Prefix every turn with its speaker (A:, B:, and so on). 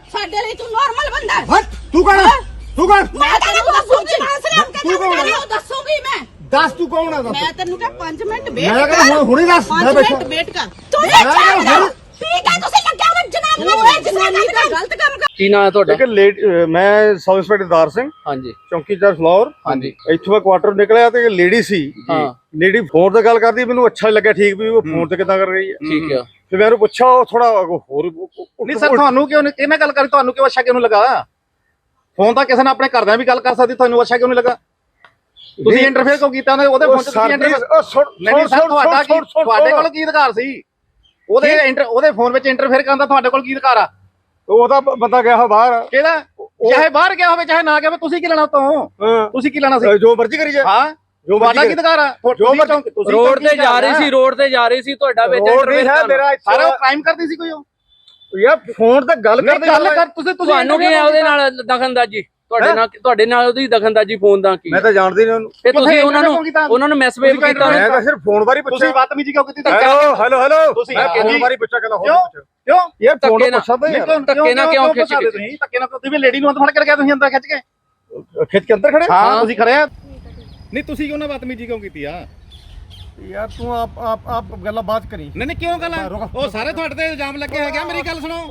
A: ਸਾਡੇ ਲਈ ਤੂੰ ਨਾਰਮਲ ਬੰਦਾ ਹੈ।
B: ਹਟ ਤੂੰ ਕੌਣ ਹੈ? ਤੂੰ ਕੌਣ?
A: ਮੈਂ ਤੈਨੂੰ ਦੱਸੂਗੀ
B: ਤੂੰ ਕੌਣ ਹੈ?
A: ਦੱਸੂਗੀ ਮੈਂ
B: ਦੱਸ ਤੂੰ ਕੌਣ ਹੈ?
A: ਮੈਂ ਤੈਨੂੰ ਕਿਹਾ 5 ਮਿੰਟ ਵੇਟ
B: ਮੈਂ ਕਹਿੰਦਾ ਹੁਣੇ ਦੱਸ ਮੈਂ
A: 5
B: ਬੈਠਾ
A: ਮਿੰਟ ਵੇਟ ਕਰ ਤੂੰ ਇਹ ਚੱਲ ਠੀਕ ਹੈ ਤੁਸੀਂ ਲੱਗਿਆ ਉਹ ਜਨਾਬ ਨੂੰ ਇਹ ਜਨਾਨੀ ਦਾ ਗਲਤ ਕੰਮ ਕਰ।
C: ਕੀ ਨਾਂ ਹੈ ਤੁਹਾਡਾ?
B: ਮੈਂ ਸਬ ਇੰਸਪੈਕਟਰ ਦਾਰ ਸਿੰਘ
C: ਹਾਂਜੀ
B: ਚੌਂਕੀਦਾਰ ਫਲੋਰ।
C: ਹਾਂਜੀ
B: ਇੱਥੋਂ ਮੈਂ ਕੁਆਟਰ ਨਿਕਲਿਆ ਤੇ ਲੇਡੀ ਸੀ
C: ਹਾਂ
B: ਲੇਡੀ ਫੋਨ ਤੇ ਗੱਲ ਕਰਦੀ ਮੈਨੂੰ ਅੱਛਾ ਲੱਗਿਆ ਠੀਕ ਵੀ ਉਹ ਫੋਨ ਤੇ ਕਿੱਦਾਂ ਕਰ ਰਹੀ ਹੈ।
C: ਠੀਕ ਆ।
B: ਫਿਰ ਮੈਂ ਉਹਨੂੰ ਪੁੱਛਿਆ ਉਹ ਥੋੜਾ ਹੋਰ
D: ਨਹੀਂ ਸਰ ਤੁਹਾਨੂੰ ਕਿਉਂ ਨਹੀਂ ਕਿਹਨੇ ਗੱਲ ਕਰੀ ਤੁਹਾਨੂੰ ਕਿਉਂ ਅੱਛਾ ਕਿਉਂ ਨਹੀਂ ਲੱਗਾ? ਫੋਨ ਤਾਂ ਕਿਸੇ ਨਾਲ ਆਪਣੇ ਘਰਦਿਆਂ ਵੀ ਗੱਲ ਕਰ ਸਕਦੀ ਤੁਹਾਨੂੰ ਅੱਛਾ ਕਿਉਂ ਨਹੀਂ ਲੱਗਾ? ਤੁਸੀਂ ਇੰਟਰਫੇਅਰ ਕਿਉਂ ਕੀਤਾ ਉਹਦੇ ਫੋਨ 'ਚ? ਤੁਸੀਂ ਨਹੀਂ ਸਰ ਤੁਹਾਡੇ ਕੋਲ ਕੀ ਅਧਿਕਾਰ ਸੀ ਉਹਦੇ ਫੋਨ ਵਿੱਚ ਇੰਟਰਫੇਅਰ ਕਰਨ ਦਾ? ਤੁਹਾਡੇ ਕੋਲ ਕੀ ਅਧਿਕਾਰ ਆ?
B: ਉਹਦਾ ਬੰਦਾ ਗਿਆ ਬਾਹਰ
D: ਕਿਹਦਾ? ਚਾਹੇ ਬਾਹਰ ਗਿਆ ਹੋਵੇ ਚਾਹੇ ਨਾ ਗਿਆ ਹੋਵੇ ਤੁਸੀਂ ਕੀ ਲੈਣਾ ਉਤੋਂ? ਤੁਸੀਂ ਕੀ ਲੈਣਾ ਸੀ?
B: ਜੋ ਮਰਜ਼ੀ ਕਰੀ ਜਾ।
D: ਹਾਂ ਤੁਹਾਡਾ ਕੀ ਅਧਿਕਾਰ ਆ?
C: ਰੋਡ ਤੇ ਜਾ ਰਹੀ ਸੀ, ਰੋਡ ਤੇ ਜਾ ਰਹੀ ਸੀ, ਤੁਹਾਡਾ ਵਿੱਚ
B: ਮੇਰਾ
D: ਸਾਰਾ ਉਹ ਕ੍ਰਾਈਮ ਕਰਦੀ ਸੀ ਕੋਈ? ਉਹ
B: ਯਾਰ ਫੋਨ ਤੇ ਗੱਲ ਕਰਦੇ
D: ਤੁਸੀਂ
C: ਤੁਹਾਨੂੰ ਕੀ ਹੈ ਉਹਦੇ ਨਾਲ ਦਖਲਅੰਦਾਜ਼ੀ? ਤੁਹਾਡੇ ਨਾਲ ਉਹਦੀ ਦਖਲਅੰਦਾਜ਼ੀ ਫੋਨ ਦਾ ਕੀ?
B: ਮੈਂ ਤਾਂ ਜਾਣਦੀ ਨਹੀਂ ਉਹਨੂੰ।
C: ਤੇ ਤੁਸੀਂ ਉਹਨਾਂ ਨੂੰ ਮੈਸੇਜ ਕੀਤਾ?
B: ਮੈਂ ਤਾਂ ਸਿਰਫ ਫੋਨ ਬਾਰੇ ਪੁੱਛਿਆ।
D: ਤੁਸੀਂ ਬਦਤਮੀਜ਼ੀ ਕਿਉਂ ਕੀਤੀ?
B: ਹੈਲੋ
D: ਤੁਸੀਂ
B: ਫੋਨ ਬਾਰੇ ਪੁੱਛਿਆ ਕਹਿੰਦਾ
D: ਕਿਉਂ
B: ਯਾਰ ਫੋਨ
C: ਧੱਕੇ ਨਾਲ
B: ਪੁੱਛਦਾ ਯਾਰ
C: ਧੱਕੇ ਨਾਲ ਕਿਉਂ ਖਿੱਚ ਕੇ?
D: ਤੁਸੀਂ ਧੱਕੇ ਨਾਲ ਤੁਸੀਂ ਵੀ ਲੇਡੀ ਨੂੰ ਫੜ ਕੇ ਗਿਆ ਤੁਸੀਂ ਅੰਦਰ ਖਿੱਚ ਕੇ?
B: ਖਿੱਚ ਕੇ ਅੰਦਰ ਖੜੇ
D: ਹਾਂ ਤੁਸੀਂ ਖੜੇ ਆ। ਨਹੀਂ ਤੁਸੀਂ ਕਿਉਂ ਨਾ ਬਦਤਮੀਜ਼ੀ ਕਿਉਂ ਕੀਤੀ ਆ?
B: ਯਾਰ ਤੂੰ ਆਪ ਗੱਲਾਂ ਬਾਤ ਕਰੀ।
D: ਨਹੀਂ ਕਿਉਂ ਗੱਲ? ਉਹ ਸਾਰੇ ਤੁਹਾਡੇ ਤੇ ਇਲਜ਼ਾਮ ਲੱਗੇ ਹੈਗੇ। ਮੇਰੀ ਗੱਲ ਸੁਣੋ।